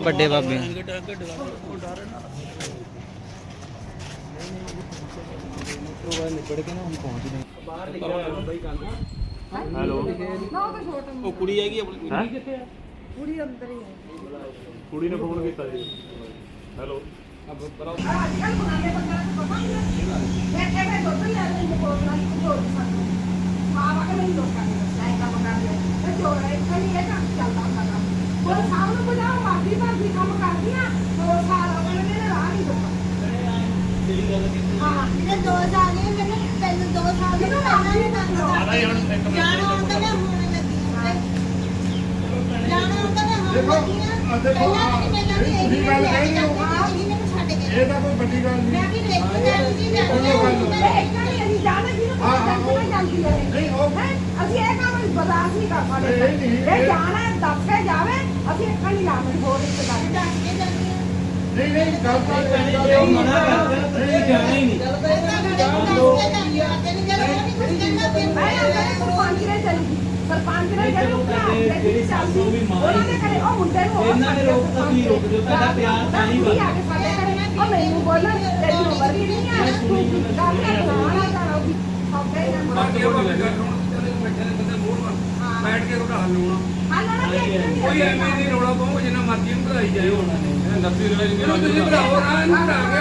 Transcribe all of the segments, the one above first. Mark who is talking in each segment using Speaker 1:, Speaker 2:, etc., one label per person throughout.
Speaker 1: ਵੱਡੇ ਬਾਬੇ
Speaker 2: ਹੈਲੋ
Speaker 3: ਉਹ ਕੁੜੀ ਹੈਗੀ ਆਪਣੀ ਕੁੜੀ ਕਿੱਥੇ ਆ?
Speaker 4: ਕੁੜੀ ਅੰਦਰ ਹੀ ਹੈ।
Speaker 2: ਕੁੜੀ ਨੇ ਫੋਨ ਕੀਤਾ ਜੀ। ਹੈਲੋ
Speaker 5: ਇਹ ਤਾਂ ਕੋਈ ਵੱਡੀ ਗੱਲ ਨਹੀਂ। ਨਹੀਂ
Speaker 4: ਅਸੀਂ ਇਹ ਕੰਮ ਬਰਦਾਸ਼ਤ ਨਹੀਂ ਕਰ ਸਕਦੇ। ਇਹ ਜਾਣਾ ਦੱਸ ਕੇ ਜਾਵੇ, ਅਸੀਂ ਇੱਕ ਨਹੀਂ ਲਾਵਾਂਗੇ ਹੋਰ ਰਿਸ਼ਤੇਦਾਰ।
Speaker 5: ਨਹੀਂ ਨਹੀਂ ਗੱਲ ਤਾਂ
Speaker 3: ਮਨਾ ਕਰਦੇ ਤੁਸੀਂ ਜਾਣਾ ਹੀ ਨਹੀਂ।
Speaker 4: ਸਰਪੰਚ ਨੇ ਜਿਹੜੀ ਸਾਸੂ ਵੀ ਮਾਂ ਉਹਨਾਂ ਦੇ ਘਰੇ ਉਹ ਮੁੰਡੇ ਨੂੰ
Speaker 3: ਇਹਨਾਂ ਨੇ ਰੋਕ ਤਾਂ ਕੀ ਰੋਕ ਦਿਓ, ਤੁਹਾਡਾ ਪਿਆਰ ਤਾਂ ਨਹੀਂ
Speaker 4: ਆ ਕੇ ਸਾਡੇ ਘਰੇ ਉਹ ਮੈਨੂੰ ਬੋਲਣ ਤੇਰੀ ਉਮਰ ਵੀ ਨਹੀਂ ਆ ਤੂੰ ਗੱਲ ਕਰਾਉਣਾ ਕਰਾਉਗੀ
Speaker 5: ਬਾਕੀ ਉਹ ਬੈਠੇ ਨੇ ਬੰਦੇ ਮੋੜ ਬੈਠ ਕੇ ਉਹਦਾ ਹੱਲ ਹੋਣਾ। ਕੋਈ ਐਵੇਂ ਨਹੀਂ ਰੌਲਾ ਪਾਓ, ਜਿੰਨਾ ਮਰਜ਼ੀ ਨੂੰ ਭਰਾਈ ਜਾਏ ਉਹਨਾਂ ਨੇ ਨੱਤੀ ਰੌਲਾ ਨਹੀਂ ਤੁਸੀਂ ਭਰਾਓ ਨਾ ਇਹਨੂੰ ਭਰਾ ਕੇ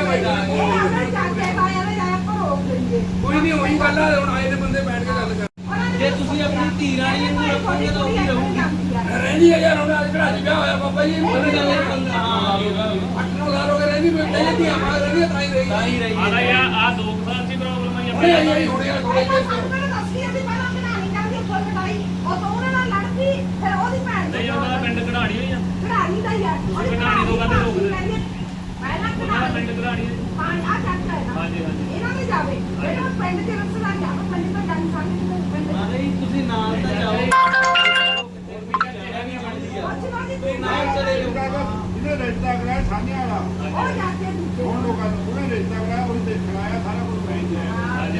Speaker 5: ਕੋਈ ਨਹੀਂ ਉਹੀ ਗੱਲ ਆ। ਹੁਣ ਆਏ ਨੇ ਬੰਦੇ ਬੈਠ ਕੇ ਗੱਲ ਕਰ।
Speaker 3: ਜੇ ਤੁਸੀਂ ਆਪਣੀ ਧੀ ਰਾਣੀ ਨੂੰ ਰੱਖੋਗੇ ਤਾਂ ਉਹ ਵੀ ਰਹੂਗੀ।
Speaker 5: ਰਹਿੰਦੀ ਹੈ ਯਾਰ, ਹੁਣ ਅੱਜ ਘੜਾ ਚ ਵਿਆਹ ਹੋਇਆ ਬਾਬਾ ਜੀ। 8-9 ਸਾਲ ਹੋ ਗਏ ਰਹਿੰਦੀ ਪਈ ਧੀਆਂ ਮਾਂ ਰਹਿੰਦੀ ਤਾਂ ਹੀ ਰਹੀ।
Speaker 2: ਆਦਾ ਯਾਰ ਆ 2 ਸਾਲ ਦੀ ਪ੍ਰੋਬਲਮ ਆਈ
Speaker 5: ਹੁਣੇ ਆਈ ਹੁਣੇ ਆ ਥੋੜੇ ਜਿਹੇ
Speaker 2: ਨਹੀਂ ਉਹਨਾਂ ਦਾ ਪਿੰਡ ਕਢਾਣੀ ਹੋਈ ਆ।
Speaker 4: ਕਢਾਣੀ ਦਾ ਯਾਰ
Speaker 2: ਕਢਾਣੀ ਤੋਂ ਕਹਿੰਦੇ ਰੋਕਦੇ
Speaker 4: ਪਹਿਲਾਂ
Speaker 2: ਉਹਨਾਂ ਦਾ ਪਿੰਡ ਕਢਾਣੀ
Speaker 4: ਹਾਂ ਆ ਚੱਕ ਹੈ ਨਾ
Speaker 2: ਹਾਂਜੀ ਹਾਂਜੀ
Speaker 4: ਇਹਨਾਂ ਦੇ ਜਾਵੇ ਜਿਹੜਾ ਪਿੰਡ ਦੇ ਰਿਸ਼ਤੇਦਾਰ ਜਾਵੇ ਪਿੰਡ ਤੋਂ ਜਾਣ ਸਾਹਮਣੇ ਪਿੰਡ
Speaker 3: ਨਹੀਂ ਤੁਸੀਂ ਨਾਲ ਤਾਂ ਜਾਓ।
Speaker 4: ਕੋਈ
Speaker 3: ਨਾਲ ਚਲੇ ਜਾਓ।
Speaker 5: ਜਿਹਨੇ ਰਿਸ਼ਤਾ ਕਰਾਇਆ ਸਾਹਮਣੇ ਵਾਲਾ
Speaker 4: ਉਹ ਜਾ ਕੇ
Speaker 5: ਹੁਣ ਲੋਕਾਂ ਨੂੰ ਉਹਨੇ ਰਿਸ਼ਤਾ ਕਰਾਇਆ ਉਹ ਦੇਖਣ ਆਇਆ ਸਾਰਾ ਕੁਝ ਕਹਿੰਦੇ ਆ।
Speaker 2: ਹਾਂਜੀ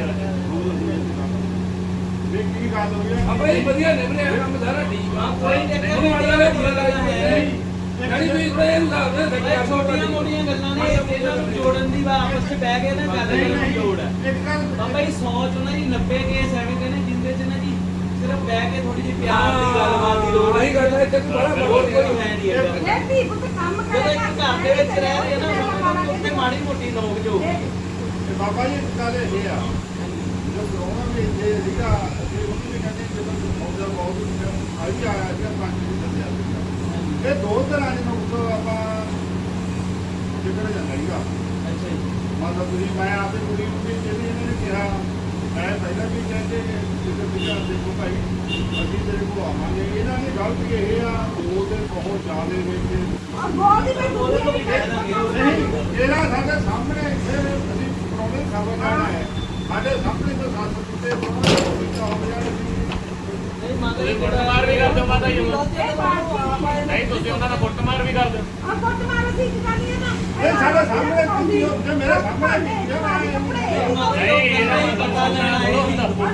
Speaker 5: ਵੇਖ ਕੀ ਗੱਲ ਹੋਈ ਆ।
Speaker 6: ਆਪਾਂ ਇਹ ਵਧੀਆ ਨਿਭਨੇ ਆ ਕੰਮ ਸਾਰਾ ਠੀਕ ਆ।
Speaker 3: ਕੋਈ ਚੱਕਰ ਨਹੀਂ ਹੈ।
Speaker 6: ਜਿਹੜੀ ਵੀ ਇਹ ਹਿਸਾਬ ਨਾਲ
Speaker 3: ਇਹ ਛੋਟੀਆਂ ਮੋਟੀਆਂ ਗੱਲਾਂ ਨੇ, ਇਹਨਾਂ ਨੂੰ ਜੋੜਨ ਦੀ ਵਾ ਆਪਸ ਵਿੱਚ ਬਹਿ ਕੇ ਨਾ ਗੱਲ ਕਰਨ ਦੀ ਲੋੜ ਹੈ।
Speaker 5: ਇੱਕ ਗੱਲ
Speaker 3: ਬਾਬਾ ਜੀ 100 ਚੋਂ ਨਾ ਜੀ 90 ਕੇਸ ਐਵੇਂ ਦੇ ਨੇ ਜਿੰਦੇ ਚ ਨਾ ਜੀ ਸਿਰਫ ਬਹਿ ਕੇ ਥੋੜੀ ਜਿਹੀ ਪਿਆਰ ਦੀ ਗੱਲਬਾਤ ਦੀ ਲੋੜ
Speaker 6: ਆਹੀ ਗੱਲ ਹੈ ਇੱਥੇ ਬੜਾ
Speaker 3: ਹੋਰ ਕੋਈ ਹੈ ਨਹੀਂ ਹੈਗਾ।
Speaker 4: ਇਹ ਵੀ ਪੁੱਤ ਕੰਮ
Speaker 3: ਜਦੋਂ
Speaker 4: ਕਰੇ
Speaker 3: ਇੱਕ ਘਰ ਦੇ ਵਿੱਚ ਰਹਿ ਰਹੇ ਨਾ ਉੱਥੇ ਮਾੜੀ ਮੋਟੀ ਨੋਕ ਝੋਕ
Speaker 5: ਤੇ ਬਾਬਾ ਜੀ ਇੱਕ ਗੱਲ ਇਹ ਆ, ਜਦੋਂ ਕਰੋਨਾ ਵੀ ਇੱਥੇ ਸੀਗਾ ਅਸੀਂ ਉਹਨੂੰ ਵੀ ਕਹਿੰਦੇ ਜਦੋਂ ਮੌਜਾ ਬਹੁਤ ਆਈ ਆਇਆ ਸੀਗਾ ਪੰਜ ਦਿਨ ਚੱਲਿਆ ਸੀਗਾ। ਇਹ 2 ਤਰ੍ਹਾਂ ਦੇ ਨੁਕਸ ਆਪਾਂ ਜਿੱਕੜ ਜਾਂਦਾ ਸੀਗਾ।
Speaker 3: ਅੱਛਾ ਜੀ
Speaker 5: ਮਤਲਬ ਤੁਸੀਂ ਮੈਂ ਆਪਣੀ ਕੁੜੀ ਨੂੰ ਵੀ ਜਿਹੜੀ ਇਹਨਾਂ ਨੇ ਕਿਹਾ, ਮੈਂ ਪਹਿਲਾਂ ਵੀ ਕਹਿੰਦੇ ਜਿੱਥੇ ਪਿਛਾ ਦੇਖੋ ਭਾਈ ਅਸੀਂ ਤੇਰੇ ਕੋਲ ਆਵਾਂਗੇ। ਇਹਨਾਂ ਨੇ ਗਲਤ ਇਹ ਆ 2 ਦਿਨ ਬਹੁਤ ਜ਼ਿਆਦੇ ਵਿੱਚ
Speaker 4: ਬਹੁਤ ਹੀ ਮੈਂ
Speaker 3: ਉਹਦੇ ਤੋਂ ਵੀ ਕਹਿ ਦਾਂਗੇ।
Speaker 5: ਇਹਦਾ ਸਾਡੇ ਸਾਹਮਣੇ ਫਿਰ ਅਸੀਂ ਪ੍ਰੋਬਲਮ ਖਬਰ ਲੈਣਾ ਹੈ। ਸਾਡੇ ਸਾਹਮਣੇ ਤੋਂ ਸੱਤ ਕੁੱਤੇ ਬਹੁਤ ਵਿੱਚਾ ਹੋ ਜਾਣ
Speaker 3: ਨਹੀਂ ਮਾਤਾ ਜੀ
Speaker 2: ਕੁੱਟਮਾਰ ਵੀ ਕਰ ਦਿਓ ਮਾਤਾ ਜੀ ਉਹਨਾਂ ਨਹੀਂ ਤੁਸੀਂ ਉਹਨਾਂ ਦਾ ਕੁੱਟਮਾਰ ਵੀ ਕਰ ਦਿਓ।
Speaker 4: ਆ ਕੁੱਟ ਮਾਰ ਸੀ ਜਗਾਨੀ ਹੈ ਨਾ
Speaker 5: ਇਹ ਸਾਡੇ ਸਾਹਮਣੇ ਕੁੱਤੀ ਜੇ ਮੇਰੇ ਸਾਹਮਣੇ
Speaker 3: ਨਹੀਂ ਇਹਨਾਂ ਨੂੰ ਪਤਾ ਲੈਣਾ ਇਹ ਵੀ ਦੱਸ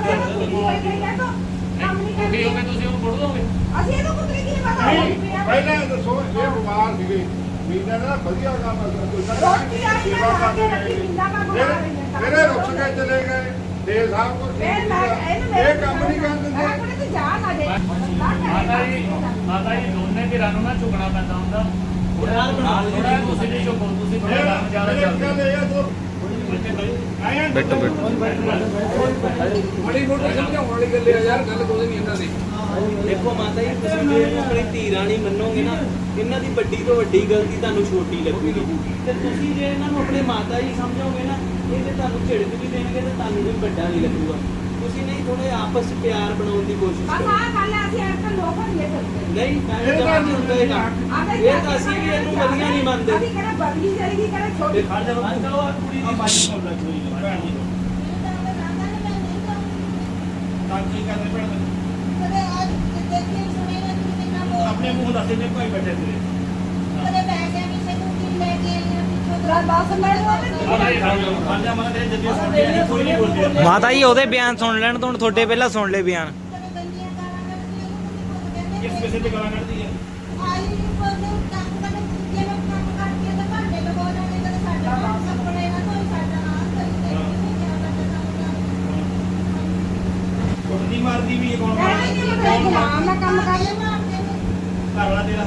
Speaker 2: ਕੀ ਹੋ ਗਿਆ ਤੁਸੀਂ ਉਹਨੂੰ ਕੁੱਟ ਦੋਗੇ?
Speaker 4: ਅਸੀਂ ਇਹਨੂੰ ਕੁੱਟ ਕੀ ਪਤਾ
Speaker 5: ਪਹਿਲਾਂ ਦੱਸੋ ਇਹ ਬਿਮਾਰ ਸੀਗੇ ਮੀਨਾ ਦਾ ਵਧੀਆ ਕੰਮ
Speaker 4: ਰੋਟੀ ਆਈ ਨਾ ਲਾ ਕੇ ਰੱਖੀ ਮੀਨਾ ਦਾ ਬਣਾ ਰਹੀ ਹੈ
Speaker 5: ਮੇਰੇ ਰੁੱਸ ਕੇ ਚਲੇ ਗਏ ਦੇ ਸਾਹਿਬ ਕੋਲ ਇਹ ਕੰਮ ਨਹੀਂ ਕਰਨ ਦਿੰਦੇ।
Speaker 4: ਮੈਂ ਕੋਲੇ ਤੇ ਜਾ ਨਾ ਦੇ
Speaker 2: ਮਾਤਾ ਜੀ ਦੋਨੇ ਧਿਰਾਂ ਨੂੰ ਨਾ ਝੁਕਣਾ ਪੈਂਦਾ ਹੁੰਦਾ।
Speaker 3: ਯਾਰ ਬਣਾ ਲਓ।
Speaker 2: ਥੋੜਾ ਤੁਸੀਂ ਨਹੀਂ ਝੁਕੋ, ਤੁਸੀਂ ਥੋੜਾ ਕੰਮ ਜ਼ਿਆਦਾ ਚੱਲਦੇ।
Speaker 1: ਬੈਠੋ ਬੈਠੋ
Speaker 6: ਬੜੀ ਮੋਟੀ ਸਮਝਾਉਣ ਵਾਲੀ ਗੱਲ ਆ ਯਾਰ, ਗੱਲ ਕੋਈ ਨਹੀਂ ਇਹਨਾਂ ਦੀ।
Speaker 3: ਦੇਖੋ ਮਾਤਾ ਜੀ ਤੁਸੀਂ ਜੇ ਇਹਨੂੰ ਆਪਣੀ ਧੀ ਰਾਣੀ ਮੰਨੋਗੇ ਨਾ, ਇਹਨਾਂ ਦੀ ਵੱਡੀ ਤੋਂ ਵੱਡੀ ਗਲਤੀ ਤੁਹਾਨੂੰ ਛੋਟੀ ਲੱਗੂਗੀ ਤੇ ਤੁਸੀਂ ਜੇ ਇਹਨਾਂ ਨੂੰ ਆਪਣੇ ਮਾਤਾ ਜੀ ਸਮਝੋਗੇ ਨਾ, ਇਹ ਤੇ ਤੁਹਾਨੂੰ ਝਿੜਕ ਵੀ ਦੇਣਗੇ ਤੇ ਤੁਹਾਨੂੰ ਵੀ ਵੱਡਾ ਨਹੀਂ ਲੱਗੂਗਾ। ਤੁਸੀਂ ਨਹੀਂ ਥੋੜੇ ਆਪਸ ਵਿੱਚ ਪਿਆਰ ਬਣਾਉਣ ਦੀ ਕੋਸ਼ਿਸ਼
Speaker 4: ਬਸ
Speaker 3: ਕਰੋ।
Speaker 4: ਆ ਗੱਲ ਅਸੀਂ ਅੱਜ ਕੱਲ ਲੋਕਾਂ ਦੀ ਕਰਦੇ
Speaker 3: ਨਹੀਂ ਇਹ ਤਾਂ ਨਹੀਂ ਹੁੰਦਾ ਇਹ ਕੰਮ। ਇਹ ਤਾਂ ਅਸੀਂ ਵੀ ਇਹਨੂੰ ਵਧੀਆ ਨਹੀਂ ਮੰਨਦੇ।
Speaker 4: ਅਸੀਂ ਕਹਿੰਦੇ ਬਦਲੀ ਜਾਏਗੀ ਕਹਿੰਦੇ ਛੋਟੀ
Speaker 3: ਕੁੜੀ ਦੀ ਬਾਜੀ ਕੋਲ ਲੱਗੀ ਭੈਣ ਜੀ
Speaker 2: ਆਪਣੇ ਮੂੰਹ ਦੱਸੇ ਨੇ ਕੋਈ ਬੈਠੇ ਤੇਰੇ
Speaker 4: ਬਸ
Speaker 1: ਮਾਤਾ ਜੀ ਉਹਦੇ ਬਿਆਨ ਸੁਣ ਲੈਣ ਤੋਂ ਤੁਹਾਡੇ ਪਹਿਲਾਂ ਸੁਣ ਲੈ ਬਿਆਨ।
Speaker 2: ਕਿਸ ਕਿਸੇ ਤੇ ਗਾਲਾਂ ਕੱਢਦੀ ਹੈ?
Speaker 3: ਮਾਰਦੀ ਵੀ ਕੌਣ
Speaker 4: ਇਹ ਨਹੀਂ ਮਤਲਬ ਗੁਲਾਮ ਦਾ ਕੰਮ ਕਰ
Speaker 3: ਘਰ ਵਾਲਾ ਤੇਰਾ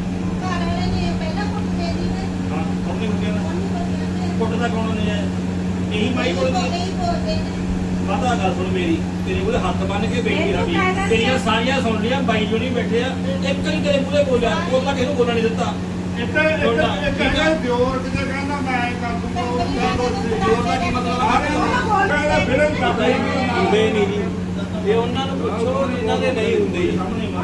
Speaker 3: ਹਾਂ ਉਹਨੇ ਮੁੰਡਿਆਂ ਦਾ ਕੁੱਟਦਾ ਕੌਣ ਨੇ ਇਹੀ ਮਾਈ ਬੋਲਦੀ ਮਾਤਾ ਗੱਲ ਸੁਣ ਮੇਰੀ ਤੇਰੇ ਕੋਲ ਹੱਥ ਬੰਨ ਕੇ ਬੈਠੀ ਰਵੀ ਤੇਰੀਆਂ ਸਾਰੀਆਂ ਸੁਣ ਲੀਆਂ ਬਾਈ ਜੋ ਨਹੀਂ ਬੈਠੇ ਆ ਇੱਕ ਹੀ ਤੇਰੇ ਮੂਹਰੇ ਬੋਲਿਆ ਉਹ ਤਾਂ ਕਿਸੇ ਨੂੰ ਬੋਲਣ ਨਹੀਂ ਦਿੱਤਾ
Speaker 5: ਇੱਥੇ ਦਿਓਰ ਕਿਤੇ ਕਹਿੰਦਾ ਮੈਂ ਕਰ ਦੂੰਗਾ
Speaker 3: ਜੋਰ ਦਾ ਕੀ ਮਤਲਬ
Speaker 5: ਕਹਿੰਦਾ ਫਿਲਮ ਕਰਦਾ ਹੀ ਨਹੀਂ
Speaker 3: ਹੁੰਦੇ ਨਹੀਂ ਜੀ ਇਹ ਉਹਨਾਂ ਨੂੰ ਪੁੱਛੋ ਇਹਨਾਂ ਦੇ ਨਹੀਂ ਹੁੰਦੇ ਜੀ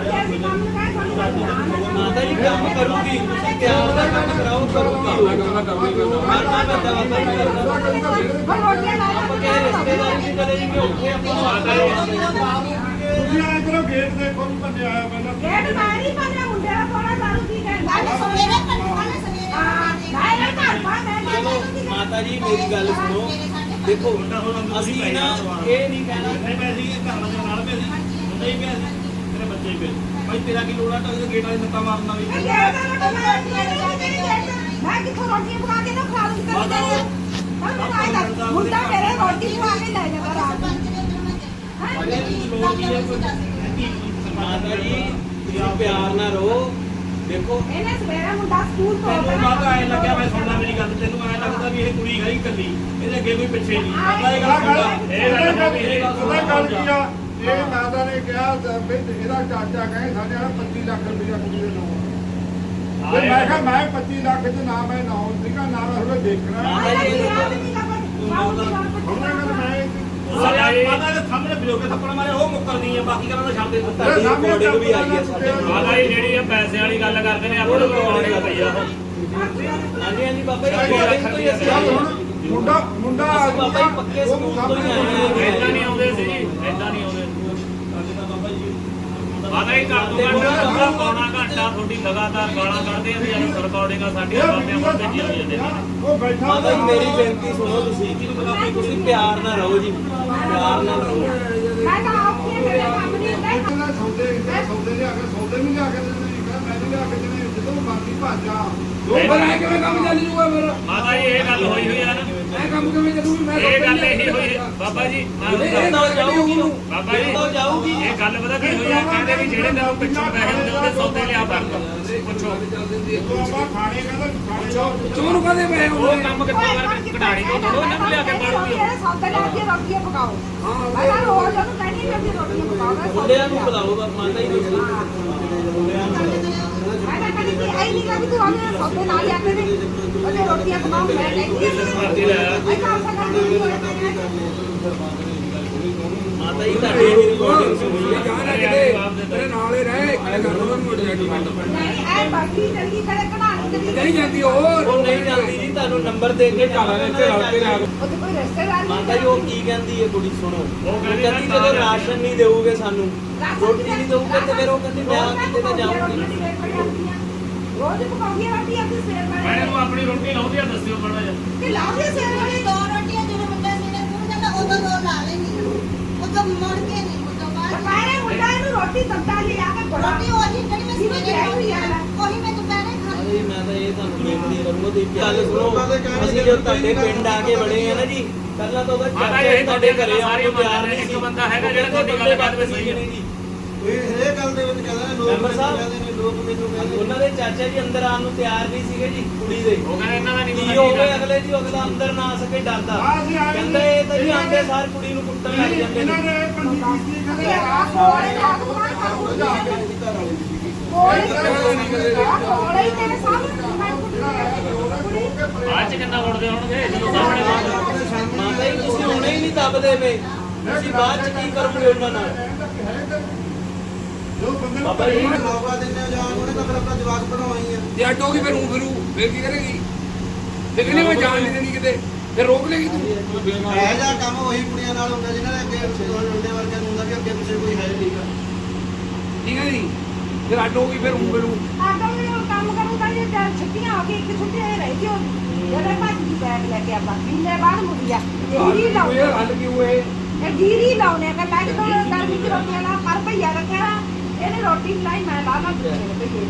Speaker 3: ਮਾਤਾ ਜੀ ਕੰਮ ਕਰੂਗੀ ਤੁਸੀਂ ਪਿਆਰ ਦਾ ਕੰਮ ਕਰਾਓ ਕਰੂਗੀ ਕਰਨਾ ਪੈਂਦਾ ਬਾਬਾ ਜੀ ਕਰਨਾ ਆਪਾਂ ਕਿਸੇ ਰਿਸ਼ਤੇਦਾਰੀ ਦੀ ਕਰੇ ਜੀ ਔਖੇ ਆਪਾਂ
Speaker 5: ਤੁਸੀਂ ਆਏ ਕਰੋ ਗੇਟ ਦੇਖੋ ਵੀ ਬੰਦੇ ਆਇਆ ਪਹਿਲਾਂ
Speaker 4: ਗੇਟ ਮੈਂ ਨਹੀਂ ਪਾਣਾ ਮੁੰਡੇ ਦਾ ਕੋਣਾ ਦਾਰੂ ਕੀ ਕਹਿੰਦਾ
Speaker 3: ਮਾਤਾ ਜੀ ਮੇਰੀ ਗੱਲ ਸੁਣੋ ਦੇਖੋ ਅਸੀਂ ਨਾ ਇਹ ਨਹੀਂ ਕਹਿਣਾ ਨਹੀਂ ਮੈਂ ਸੀ ਘਰ ਵਾਲੇ ਨਾਲ ਪਿਆ ਸੀ ਹੁੰਦਾ ਹੀ ਪਿਆ ਸੀ ਮੇਰੇ ਬੱਚੇ ਹੀ ਪਏ ਭਾਈ ਤੇਰਾ ਕੀ ਲੋੜ ਆ ਤਾਂ ਗੇਟ ਵਾਲੇ ਨੱਤਾ ਮਾਰਨਾ ਵੀ
Speaker 4: ਮੈਂ ਕਿੱਥੋਂ ਰੋਟੀ ਪਕਾ ਕੇ ਨਾ ਖਾ ਲੂੰ ਮੁੰਡਾ ਮੇਰੇ ਰੋਟੀ ਪਕਾ ਕੇ ਲੈ ਜਾਂਦਾ ਰਾਤ ਨੂੰ
Speaker 3: ਮਾਤਾ ਜੀ ਤੁਸੀਂ ਪਿਆਰ ਨਾਲ ਰਹੋ ਦੇਖੋ
Speaker 4: ਇਹਨੇ ਸਵੇਰੇ ਮੁੰਡਾ ਸਕੂਲ ਤੋਂ
Speaker 3: ਤੈਨੂੰ ਮਾਤਾ ਐ ਲੱਗਿਆ ਮੈਂ ਸੁਣਦਾ ਮੇਰੀ ਗੱਲ ਤੈਨੂੰ ਐ ਲੱਗਦਾ ਵੀ ਇਹ ਕੁੜੀ ਗਈ ਇਕੱਲੀ ਇਹਦੇ ਅੱਗੇ ਕੋਈ ਪਿੱਛੇ ਨਹੀਂ ਮਾਤਾ ਇਹ ਗੱਲ ਸੁਣਦਾ
Speaker 5: ਉਹਦਾ ਗੱਲ ਕੀ ਆ ਇਹ ਮਾਤਾ ਨੇ ਕਿਹਾ ਵੀ ਇਹਦਾ ਚਾਚਾ ਕਹੇ ਸਾਡੇ ਨਾਲ 25 ਲੱਖ ਰੁਪਇਆ ਕੁੜੀ ਦੇ ਨਾਮ ਤੇ ਮੈਂ ਕਿਹਾ ਮੈਂ 25 ਲੱਖ ਚ ਨਾ ਮੈਂ ਨਾਮ ਸੀਗਾ ਨਾ ਮੈਂ ਥੋੜਾ ਦੇਖਣਾ ਹੁਣ ਮੈਂ
Speaker 3: ਮਾਤਾ ਦੇ ਸਾਹਮਣੇ ਬਿਲੋਕੇ ਥੱਪੜ ਮਾਰੇ ਉਹ ਮੁੱਕਰਦੀ ਆ ਬਾਕੀ ਗੱਲਾਂ ਤਾਂ ਛੱਡ ਦੇ
Speaker 5: ਤੁਹਾਡੀ recording ਵੀ ਆਈ ਹੈ ਸਾਡੇ
Speaker 2: ਮਾਤਾ ਜੀ ਜਿਹੜੀ ਆ ਪੈਸੇ ਵਾਲੀ ਗੱਲ ਕਰਦੇ ਨੇ ਆਪਣੇ ਕੋਲ ਪਈ ਆ
Speaker 3: ਹਾਂਜੀ ਹਾਂਜੀ ਬਾਬਾ ਜੀ recording ਤੋਂ ਹੀ ਅਸੀਂ
Speaker 5: ਚੱਲ ਹੁਣ ਮੁੰਡਾ
Speaker 3: ਬਾਬਾ ਜੀ ਪੱਕੇ ਸਕੂਲ ਤੋਂ ਹੀ ਆਏ ਆ
Speaker 2: ਏਦਾਂ ਨਹੀਂ ਆਉਂਦੇ ਸੀ ਏਦਾਂ ਨਹੀਂ ਆਉਂਦੇ ਮਾਤਾ ਜੀ ਘੱਟ ਤੋਂ ਘੱਟ ਪੌਣਾ ਘੰਟਾ ਤੁਹਾਡੀ ਲਗਾਤਾਰ ਗਾਲਾਂ ਕੱਢਦੇ ਆ ਅਸੀਂ ਰਿਕਾਰਡਿੰਗਾਂ ਸਾਡੀਆਂ ਬਾਬਿਆਂ ਕੋਲ ਭੇਜੀਆਂ ਹੋਈਆਂ ਨੇ
Speaker 5: ਉਹ ਬੈਠਾ
Speaker 3: ਮਾਤਾ ਜੀ ਮੇਰੀ ਬੇਨਤੀ ਸੁਣੋ ਤੁਸੀਂ ਪਿਆਰ ਨਾਲ ਰਹੋ ਜੀ ਪਿਆਰ ਨਾਲ ਰਹੋ
Speaker 4: ਮੈਂ ਤਾਂ ਆਪਕੇ ਮੇਰੇ ਕੰਮ ਨਹੀਂ ਹੁੰਦਾ
Speaker 5: ਇਹਨਾਂ ਸੌਦੇ ਲਿਆ ਕੇ ਸੌਦੇ ਨਹੀਂ ਲਿਆ ਕੇ ਦਿੰਦੇ ਨਹੀਂ ਕਹਿੰਦਾ ਮੈਂ ਨਹੀਂ ਲਿਆ ਕੇ ਦਿੰਦੇ ਜਦੋਂ ਬਾਕੀ ਭਾਜਾ
Speaker 6: ਪਰ ਐ ਕਿਵੇਂ ਕੰਮ ਚੱਲ ਜੂਗਾ ਫਿਰ
Speaker 2: ਮਾਤਾ ਜੀ ਇਹ ਗੱਲ ਹੋਈ ਹੋਈ ਆ ਨਾ
Speaker 6: ਐ ਕੰਮ ਕਿਵੇਂ ਚੱਲੂਗੀ ਮੈਂ
Speaker 2: ਇਹ ਗੱਲ ਇਹੀ ਹੋਈ ਬਾਬਾ ਜੀ ਮੈਂ
Speaker 3: ਇਹ ਤਾਂ ਜਾਊਗੀ
Speaker 2: ਬਾਬਾ ਜੀ
Speaker 3: ਤਾਂ ਜਾਊਗੀ
Speaker 2: ਇਹ ਗੱਲ ਪਤਾ ਕੀ ਹੋਈ ਆ ਕਹਿੰਦੇ ਵੀ ਜਿਹੜੇ ਤੈਨੂੰ ਪਿੱਛੋਂ ਪੈਸੇ ਦਿੰਦੇ ਉਹਦੇ ਸੌਦੇ ਲਿਆ ਕਰ ਪੁੱਛੋ
Speaker 5: ਜਦੋਂ ਆਪਾਂ ਖਾਣੇ ਕਹਿੰਦਾ ਖਾਣੇ ਜਾਓ
Speaker 6: ਚੋਰ ਕਦੇ ਮੈਂ
Speaker 2: ਉਹ ਕੰਮ ਕਿੱਥੋਂ ਕਰਕੇ ਕਢਾਣੀ ਤੋਂ ਥੋੜੋ ਇਹਨਾਂ ਨੂੰ ਲਿਆ ਕੇ ਮਾਰੂਗੀ
Speaker 4: ਮੇਰੇ ਸੌਦੇ ਲੈ ਕੇ ਰੋਟੀਆਂ ਪਕਾਓ ਮੈਂ ਤਾਂ ਰੋਜ਼ ਉਹਨੂੰ ਕਹਿੰਦੀ ਮੈਂ ਵੀ ਰੋਟੀਆਂ ਪਕਾਉਣਾ
Speaker 3: ਮੁੰਡਿਆਂ ਨੂੰ ਬੁਲਾਓ ਮਾਤਾ ਜੀ ਨੂੰ
Speaker 4: ਮੈਂ ਤਾਂ ਕਹਿੰਦੀ ਕਿ ਆਈ ਨਹੀਂ ਕਿ ਤੂੰ ਆਵੇਂ ਸੌਦੇ ਨਾਲ ਲਿਆ ਕੇ ਦੇ ਉਹਨੇ ਰੋਟੀਆਂ ਪਕਾਉਂ ਮੈਂ ਕਹਿੰਦੀ
Speaker 2: ਮਰਜ਼ੀ ਲੈ ਆ।
Speaker 4: ਮੈਂ ਤਾਂ ਆਸਾ ਕਰਦੀ
Speaker 3: ਮਾਤਾ ਜੀ ਤੁਹਾਡੀ ਵੀ ਰਿਕਾਰਡਿੰਗ ਸੁਣੀ
Speaker 6: ਜਾਣਾ ਕਿਤੇ ਤੇਰੇ ਨਾਲ ਹੀ ਰਹਿ ਕਿਹੜੇ ਘਰ ਨੂੰ ਮੁੜ ਜਾਣੀ
Speaker 4: ਨਹੀਂ ਐ ਬਾਕੀ ਚੰਗੀ ਕਰੇ ਕਢਾਣੀ ਕਰੀ
Speaker 6: ਨਹੀਂ ਜਾਂਦੀ ਹੋਰ
Speaker 3: ਉਹ ਨਹੀਂ ਜਾਂਦੀ ਜੀ ਤੁਹਾਨੂੰ ਨੰਬਰ ਦੇ ਕੇ ਜਾਣਾ
Speaker 6: ਇੱਥੇ ਰਲ ਕੇ ਆ
Speaker 4: ਉਹਦੇ ਕੋਈ ਰਿਸ਼ਤੇਦਾਰ
Speaker 3: ਮਾਤਾ ਜੀ ਉਹ ਕੀ ਕਹਿੰਦੀ ਹੈ ਕੁੜੀ ਸੁਣੋ ਉਹ
Speaker 2: ਕਹਿੰਦੀ
Speaker 3: ਕਹਿੰਦੀ ਜਦੋਂ ਰਾਸ਼ਨ ਨਹੀਂ ਦੇਊਗੇ ਸਾਨੂੰ ਰੋਟੀ ਨਹੀਂ ਦੇਊਗੇ ਤੇ ਫਿਰ ਉਹ ਕਹਿੰਦੀ ਮੈਂ ਕਿਤੇ ਤਾਂ ਜਾਊਂਗੀ
Speaker 4: ਰੋਜ਼ ਪਕਾਉਂਦੀ ਰੋਟੀ ਆਪਣੀ ਸਵੇਰ
Speaker 2: ਮੈਂ
Speaker 4: ਵਾਲੀ
Speaker 2: ਇਹਨੂੰ ਆਪਣੀ ਰੋਟੀ ਲਾਉਂਦੀ ਆ ਦੱਸਿਓ ਮਾੜਾ ਜਿਹਾ
Speaker 4: ਕਿ ਲਾਉਂਦੀ ਸਵੇਰ ਵਾਲੀ ਦੁਪਹਿਰੇ ਮੁੰਡਾ ਇਹਨੂੰ ਰੋਟੀ ਤੱਤਾ ਲਿਆ ਕੇ ਬੜਾ
Speaker 3: ਅਰੇ ਮੈਂ ਤਾਂ ਇਹ ਤੁਹਾਨੂੰ ਬੇਨਤੀ ਕਰੂੰਗਾ ਤੁਸੀਂ ਗੱਲ ਸੁਣੋ ਅਸੀਂ ਜਦੋਂ ਤੁਹਾਡੇ ਪਿੰਡ ਆ ਕੇ ਬੜੇ ਆ ਨਾ ਜੀ ਪਹਿਲਾਂ ਤਾਂ ਉਹਦਾ
Speaker 2: ਮਾਤਾ
Speaker 3: ਚਾਚਾ
Speaker 2: ਜੀ
Speaker 3: ਹੀ ਤੁਹਾਡੇ ਘਰੇ ਆਉਣ
Speaker 2: ਸਾਰੇ
Speaker 3: ਨੂੰ ਤਿਆਰ
Speaker 2: ਪਿਆਰ
Speaker 3: ਨਹੀਂ
Speaker 2: ਇੱਕ
Speaker 3: ਸੀ
Speaker 2: ਬੰਦਾ ਹੈਗਾ ਜਿਹੜਾ ਤੁਹਾਡੀ ਗੱਲ ਬਾਤ ਵਿੱਚ ਸਹੀ ਹੈ
Speaker 3: ਨਹੀਂ ਜੀ
Speaker 5: ਇਹ ਗੱਲ ਦੇ ਵਿੱਚ ਕਹਿੰਦਾ
Speaker 3: ਮੈਂਬਰ ਸਾਹਿਬ ਉਹਨਾਂ ਦੇ ਚਾਚਾ ਜੀ ਅੰਦਰ ਆਉਣ ਨੂੰ ਤਿਆਰ ਨਹੀਂ ਸੀਗੇ ਜੀ ਕੁੜੀ ਦੇ
Speaker 2: ਉਹ ਕਹਿੰਦਾ ਇਹਨਾਂ ਦਾ ਨਹੀਂ
Speaker 3: ਕੀ ਹੋ ਗਿਆ ਅਗਲੇ ਜੀ ਅਗਲਾ ਅੰਦਰ ਨਾ ਆ ਸਕੇ ਡਰਦਾ ਕਹਿੰਦਾ ਇਹ ਤਾਂ ਜੀ ਆਂਦੇ ਸਾਰ ਕੁੜੀ ਨੂੰ ਕੁੱਟਣ ਲੱਗ ਜਾਂਦੇ
Speaker 5: ਇਹਨਾਂ
Speaker 3: ਨੇ
Speaker 5: ਨੇ ਪੰਜੀ ਕੀਤੀ ਕਹਿੰਦੇ
Speaker 4: ਆ ਕੋਲੇ ਲਾ ਕੇ ਕੋਲੇ ਤੇਰੇ ਸਾਹਮਣੇ ਮੈਂ
Speaker 2: ਬਾਅਦ ਚ ਕਿੰਨਾ ਵੜਦੇ ਹੋਣਗੇ ਜਦੋਂ ਸਾਹਮਣੇ
Speaker 3: ਮਾਤਾ ਜੀ ਤੁਸੀਂ ਹੁਣੇ ਹੀ ਨਹੀਂ ਦੱਬਦੇ ਪਏ ਤੁਸੀਂ ਬਾਅਦ ਚ ਕੀ ਕਰੋਗੇ ਉਹਨਾਂ ਨਾਲ
Speaker 5: ਜੋ ਬੰਦੇ ਨੂੰ
Speaker 3: ਬਾਬਾ ਜੀ
Speaker 5: ਮੌਕਾ ਦਿੰਦੇ ਜਾਂ ਉਹਨੇ ਤਾਂ ਫਿਰ ਆਪਣਾ ਜਵਾਬ ਬਣਾਉਣੀ ਆ
Speaker 6: ਜੇ ਅੱਡੋਗੀ ਫਿਰ ਉਹ ਫਿਰ ਕੀ ਕਰੇਗੀ ਤੇ ਕਹਿੰਦੀ ਮੈਂ ਜਾਣ ਨਹੀਂ ਦੇਣੀ ਕਿਤੇ ਫਿਰ ਰੋਕ ਲੇਗੀ ਤੂੰ
Speaker 5: ਇਹ ਜਿਹਾ ਕੰਮ ਉਹੀ ਕੁੜੀਆਂ ਨਾਲ ਹੁੰਦਾ ਜਿਨ੍ਹਾਂ ਦੇ ਅੱਗੇ ਮੁੰਡੇ ਵਰਗਿਆਂ ਨੂੰ ਹੁੰਦਾ ਕਿ ਅੱਗੇ ਪਿੱਛੇ ਕੋਈ ਹੈ ਨਹੀਂ ਗਾ
Speaker 6: ਠੀਕ ਹੈ ਜੀ ਫਿਰ ਅੱਡੋਗੀ ਫਿਰ ਉਹ
Speaker 4: ਆਟੋ ਵੀ ਉਹ ਕੰਮ ਕਰੂਗਾ ਜੇ ਛੁੱਟੀਆਂ ਹੋ ਗਈ ਇੱਕ ਛੁੱਟੀ ਹੋਈ ਰਹੀ ਸੀ ਜਦੋਂ ਭੱਜ ਦੀ ਬੈਗ ਲੈ ਕੇ ਆਪਾਂ ਮਹੀਨੇ ਬਾਅਦ ਮੁੜਿਆ ਜੀਰੀ
Speaker 6: ਇਹ
Speaker 4: ਲਾਉਣੇ
Speaker 6: ਹੱਲ ਕਿਉਂ ਇਹ
Speaker 4: ਇਹ ਜੀਰੀ ਲਾਉਣੇ ਕਿ ਮੈਂ ਕਿਹਾ ਗਰਮੀ ਚ ਰੋਟੀਆਂ ਲਾ ਪਰ ਭਈਆ ਰੱਖਿਆ ਇਹਨੇ ਰੋਟੀ ਖਲਾਈ ਮੈਂ ਲਾ ਲਾ ਦੂਜੇ ਨੇ ਭਈਏ